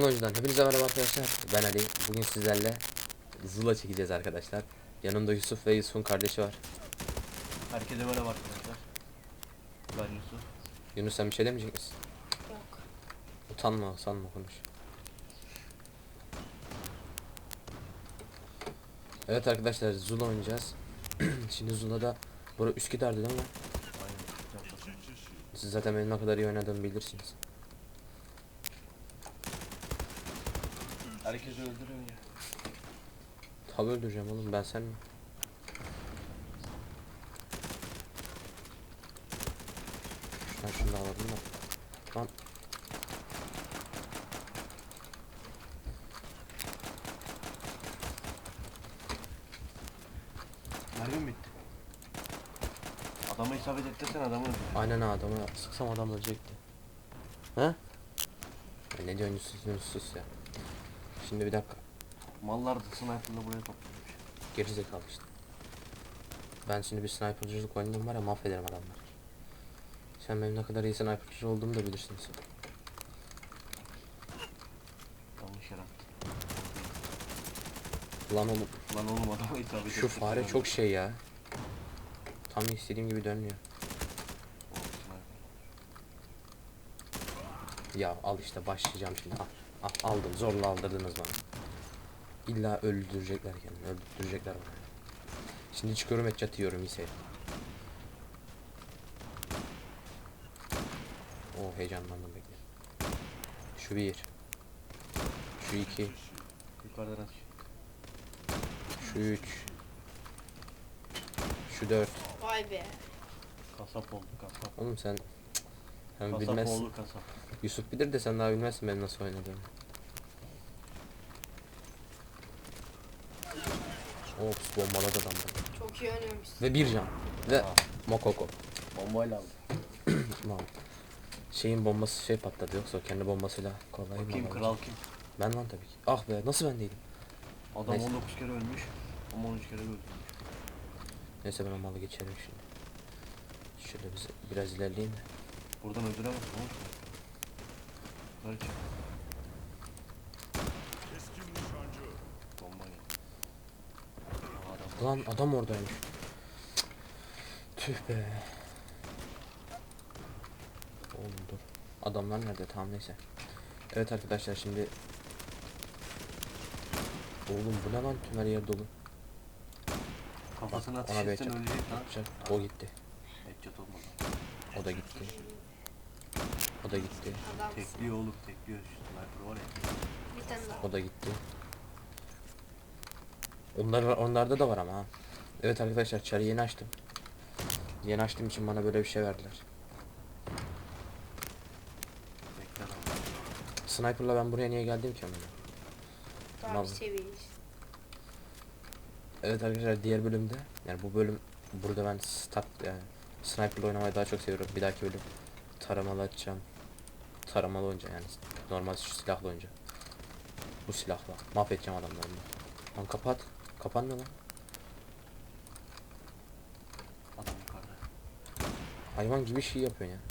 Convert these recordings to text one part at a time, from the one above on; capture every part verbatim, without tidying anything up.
Zula'dan hepinize merhaba arkadaşlar. Ben Ali. Bugün sizlerle Zula çekeceğiz arkadaşlar. Yanımda Yusuf ve Yusuf'un kardeşi var. Herkese merhaba arkadaşlar. Ben Yusuf. Yunus, sen bir şey demeyecek misin? Yok. Utanma, utanma, konuş. Evet arkadaşlar, Zula oynayacağız. Şimdi Zula'da bura Üsküdar'dı değil mi? Aynen. Siz zaten benim ne kadar iyi oynadığımı bilirsiniz. Herkesi öldürün ya. Tabi öldüreceğim oğlum, ben sen mi? Şuradan şunu da alalım da. Lan. Mermim bitti. Adamı isabet ettirsen adamı öldür. Aynen ha, adamı sıksam adam ölecekti. He? Ya ne diyorsun Yusuf, Yunus sus ya. Şimdi bir dakika. Mallar da sniper'la buraya toplamış. Gerizekalı işte. Ben şimdi bir snipercılık oynayayım var ya, mahvederim adamları. Sen benim ne kadar iyi snipercı olduğumu da bilirsiniz. Yanlış yere attı. Lan oğlum, Lan oğlum adamı isabet şu ettirsen fare öldür. çok şey ya. Tam istediğim gibi dönmüyor. O sniper. Ya al işte, başlayacağım şimdi. Al, al aldım, zorla aldırdınız bana. İlla öldürecekler kendini, öldürecekler bana. Şimdi çıkıyorum, et yiyorum, iyi seyir. Oo, heyecanlandım, bekle. Şu bir. Şu iki. Yukarıdan aç. Şu üç. Şu dört. Vay be. Kasap oldu kasap. Oğlum sen... Sen Kasap bilmezsin. oğlu kasap. Yusuf bilir de sen daha bilmezsin benim nasıl oynadığımı. Ops, bombaladı adam bana. Çok iyi oynuyormuşsun. Ve bir can. Ve Aa. Mokoko. Bombayla aldı. Tamam. Şeyin bombası şey patladı, yoksa o kendi bombasıyla kolay mı? Bakayım alacak? kral kim? Ben lan tabii ki. Ah be, nasıl ben değilim? Adam Neyse. on dokuz kere ölmüş. Ama on üç kere öldürmüş. Neyse, ben o malı geçerim şimdi. Şöyle biz biraz ilerleyeyim de. Buradan öldüremezsin oğlum. Böyle çık. Bomba geldi. Aa, adam. Lan adam oradaymış. Tüh be. Oğlum dur. Adamlar nerede? Tamam, neyse. Evet arkadaşlar, şimdi... Oğlum bu ne lan, tüm her yer dolu. Kafasına Bak, ateş ona bir etsen headshot ölecek lan. yapacak. O gitti. Headshot olmadı. O da gitti. O da gitti. Adamsın. Tekliyor oğlum tekliyor. Şu sniper var ya. Bir tane daha. O da gitti. Onlar onlarda da var ama ha. Evet arkadaşlar, çarı yeni açtım. Yeni açtığım için bana böyle bir şey verdiler. Bekler ama. Sniper'la ben buraya niye geldim ki ama? Daha Tamam. bir seviyeyiz. Evet arkadaşlar, diğer bölümde, yani bu bölüm burada ben start yani sniper'la oynamayı daha çok seviyorum. Bir dahaki bölüm taramalı açacağım. Taramalı oyunca, yani normal şu silahla oyunca. Bu silahla mahvedeceğim adamları. Lan kapat. Kapanmıyor lan. Adam yukarıda. Hayvan gibi şey yapıyor ya.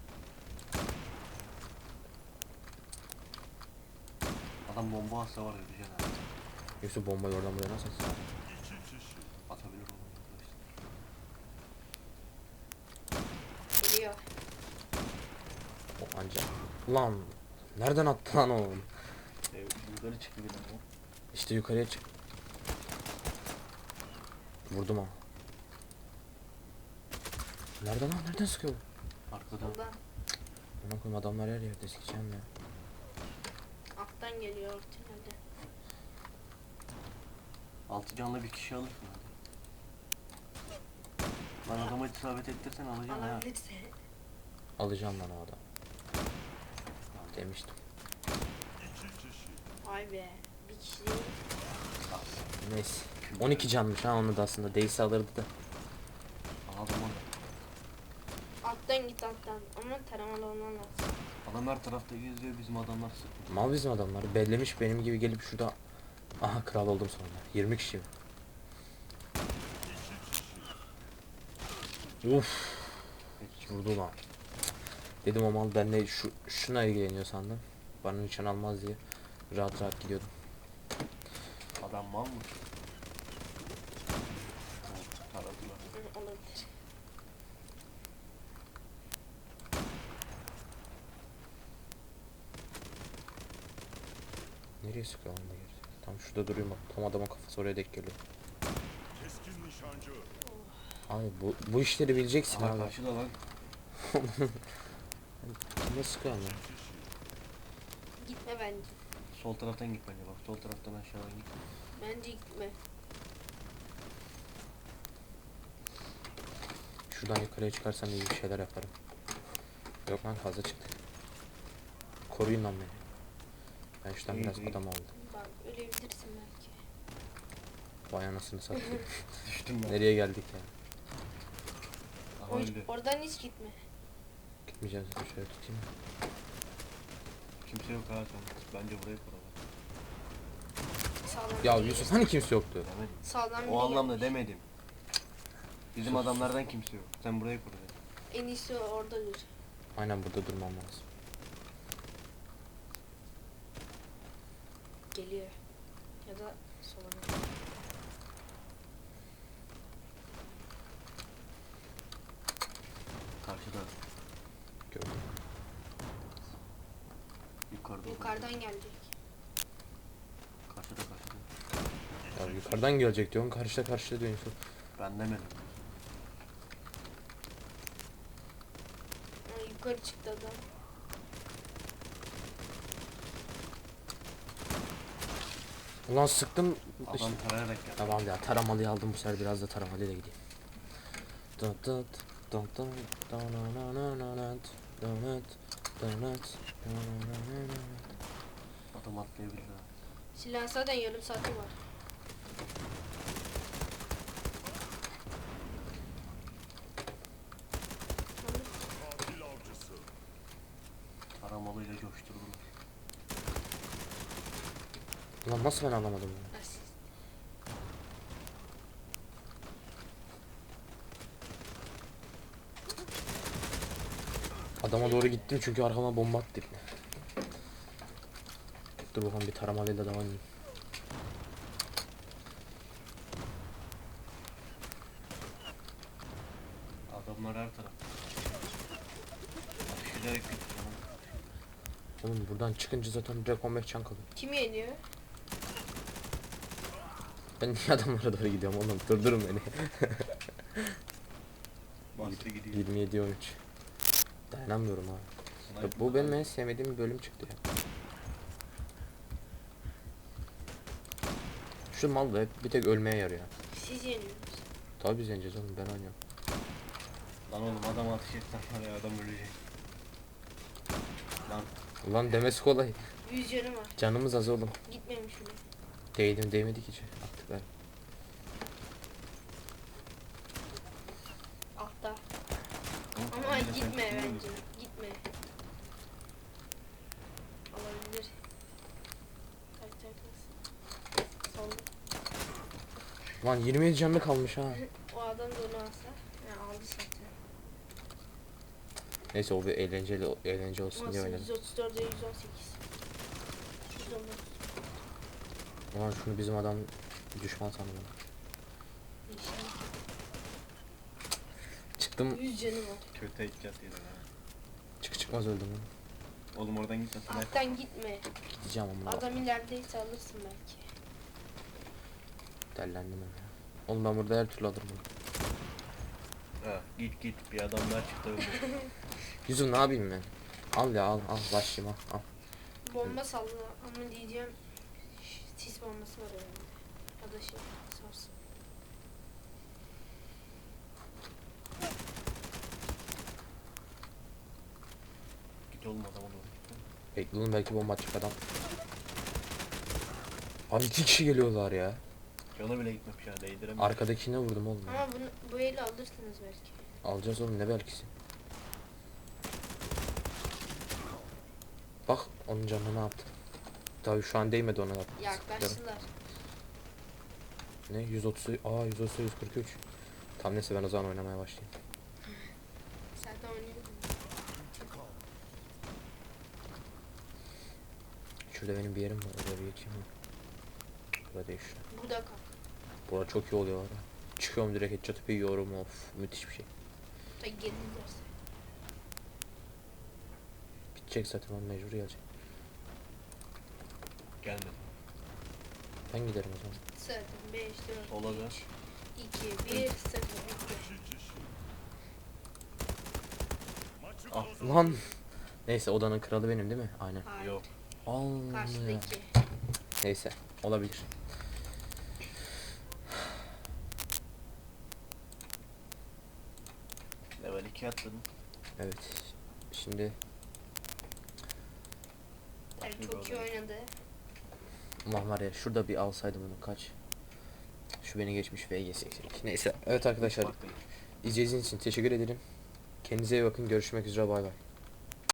Adam bomba atsa var öleceksin abi. Yoksa bombayı oradan buraya nasıl atsın? Atabilir onu arkadaşlar. Geliyor. O anca. Lan nereden attı lan oğlum? Evet, yukarı çıktı bir tane. İşte yukarıya çık. Vurdum ha. Nereden lan? Nereden sıkıyor bu? Arkadan. Buradan. Ona koyayım, adamlar her yerde, sikeceğim ya. Alttan geliyor tünelde. Altı canlı bir kişi alırsın hadi. Lan adama isabet ettirsen alacaksın ha. Alabilirse. Alacağım lan o adam. Demiştim. Vay be. Bir kişi değil. Neyse. on iki canmış ha, onu da aslında değilse alırdı da. Adam orada. Alttan git alttan. Ama taramalı olman lazım. Adam her tarafta geziyor bizim adamlar sıkıntı. Mal bizim adamlar. Bellemiş benim gibi gelip şurada. Aha, kral oldum sonra. yirmi kişi. Uf. Vurdu lan. Dedim o mal benimle şu, şuna ilgileniyor sandım. Bana nişan almaz diye. rahat rahat gidiyordum. Adam mal mı? Oh, taradılar. Hı, olabilir. Nereye sıkıyor lan bu geri? Tam şurada duruyor bak. Tam adamın kafası oraya denk geliyor. Keskin nişancı. Abi bu, bu işleri bileceksin Aha abi. karşıda lan. Kime sıkıyor ya? Gitme bence. Sol taraftan git bence bak. Sol taraftan aşağıdan git. Bence gitme. Şuradan yukarıya çıkarsam iyi bir şeyler yaparım. Yok lan fazla çıktı. Koruyun lan beni. Ben şuradan İyi, biraz iyi. adam aldım. Bak ölebilirsin belki. Vay anasını satayım. Düştüm ben. Nereye geldik ya? Aha O- öldü. oradan hiç gitme. Gitmeyeceğiz. Şöyle tutayım. Kimse yok ha sen. Bence burayı kuralım. Sağdan Ya biri Yusuf gelir. hani kimse yoktu? Demedim. Sağdan biri O anlamda gelmiş. demedim. Bizim Sus, adamlardan kimse yok. Sen burayı kur dedi. En iyisi orada dur. Aynen burada durmam lazım. Geliyor. Ya da sola gidiyor. Karşıda. Gördüm. Yukarıda. Yukarıdan gelecek. Karşıda karşıda. Ya yukarıdan gelecek diyorsun. Karşıda karşıda diyorsun Yusuf. Ben demedim. Ha, yukarı çıktı adam. Ulan sıktım. Adam tarayarak geldi. Tamam ya taramalıyı aldım bu sefer biraz da taramalıyla gideyim. Dıt dıt dıt dıt dananananat, danat, danat, dananananat. Adam atlayabilir ha. Silah zaten yarım saati var. Katil avcısı. Taramalıyla coşturdular. Ulan nasıl ben anlamadım bunu? Asist. Adama doğru gittim çünkü arkama bomba attı ipne. Dur bakalım bir taramalıyla devam edeyim. Adamlar her tarafta. Ateş ederek gitti canım. Oğlum buradan çıkınca zaten direkt on beş can kalıyor. Kim yeniyor? Ben niye adamlara doğru gidiyorum oğlum? Durdurun beni. Bastı gidiyor. yirmi yedi on üç. Dayanamıyorum ha. Ya bu benim en sevmediğim bir bölüm çıktı ya. Şu mal da hep bir tek ölmeye yarıyor. Siz yeniyorsunuz. Tabii biz yeneceğiz oğlum ben oynuyorum. Lan oğlum adam ateş etsen var ya adam ölecek. Lan Ulan demesi kolay. Yüz canı var. Canımız az oğlum. Gitmemiş bile. Değdim değmedik hiç. Attık ben. Altta. oğlum, Ama sen gitme çıkmıyor bence. musun? Gitme. Olabilir. Kaçacak mısın? Solda. Lan yirmi yedi canlı kalmış ha. O adam da onu alsa. Ya aldı zaten. Neyse o bir eğlenceli eğlence olsun diye Nasıl? oynadım. yüz otuz dörde yüz on sekiz. yüz on dokuz. Ulan şunu bizim adam düşman sandım. İnşallah. Çıktım yüz canı var. Kötü icat yedin ha. çık çıkmaz öldüm lan. Oğlum oradan gitme sana. Alttan gitme. Gideceğim ama Adam ilerideyse alırsın belki. dellendim ben ya. Oğlum ben burada her türlü alırım bunu. Ha, git git bir adam daha çıktı öldü. Yüzüm ne yapayım ben? Al ya al al başlayayım al al. Bomba salla ama diyeceğim ş- sis bombası var önünde. Ya da şey sarsın. Git oğlum adama doğru git. Bekle oğlum belki bomba atacak adam. Abi iki kişi geliyorlar ya. Yola bile gitmemiş ha değdiremiyor. Arkadakine vurdum oğlum. ya. Ama bunu bu eli alırsınız belki. Alacağız oğlum ne belkisi. Bak onun canına ne yaptı. Tabii şu an değmedi ona yaptı. Yaklaştılar. Ne yüz otuz aa yüz otuz yüz kırk üç. Tam neyse ben o zaman oynamaya başlayayım. Zaten oynuyordum. şurada benim bir yerim var. Oraya bir geçeyim mi? Burada değil şu. Burada kal. Burada çok iyi oluyor var ya. Çıkıyorum direkt headshot'ı yiyorum, of müthiş bir şey. Da gelirlerse. Bitecek zaten, on mecbur gelecek. Gelmedi. Ben giderim o zaman. Zaten beş, dört, Sola dön. üç, iki, bir, sıfır. Bitti. iki kişi. Maçı Ah, kazan. Lan! Neyse, odanın kralı benim değil mi? Aynen. Hayır. Yok. Allah. Karşıdaki. Neyse, olabilir. Level iki atladın. Evet. Şimdi Yani Başka çok bir iyi olay. oynadı. ulan var ya, şurada bir alsaydım onu, kaç. Şu beni geçmiş V G seksen iki. Neyse, evet arkadaşlar, Fark değil. izlediğiniz için teşekkür ederim. Kendinize iyi bakın, görüşmek üzere, bay bay.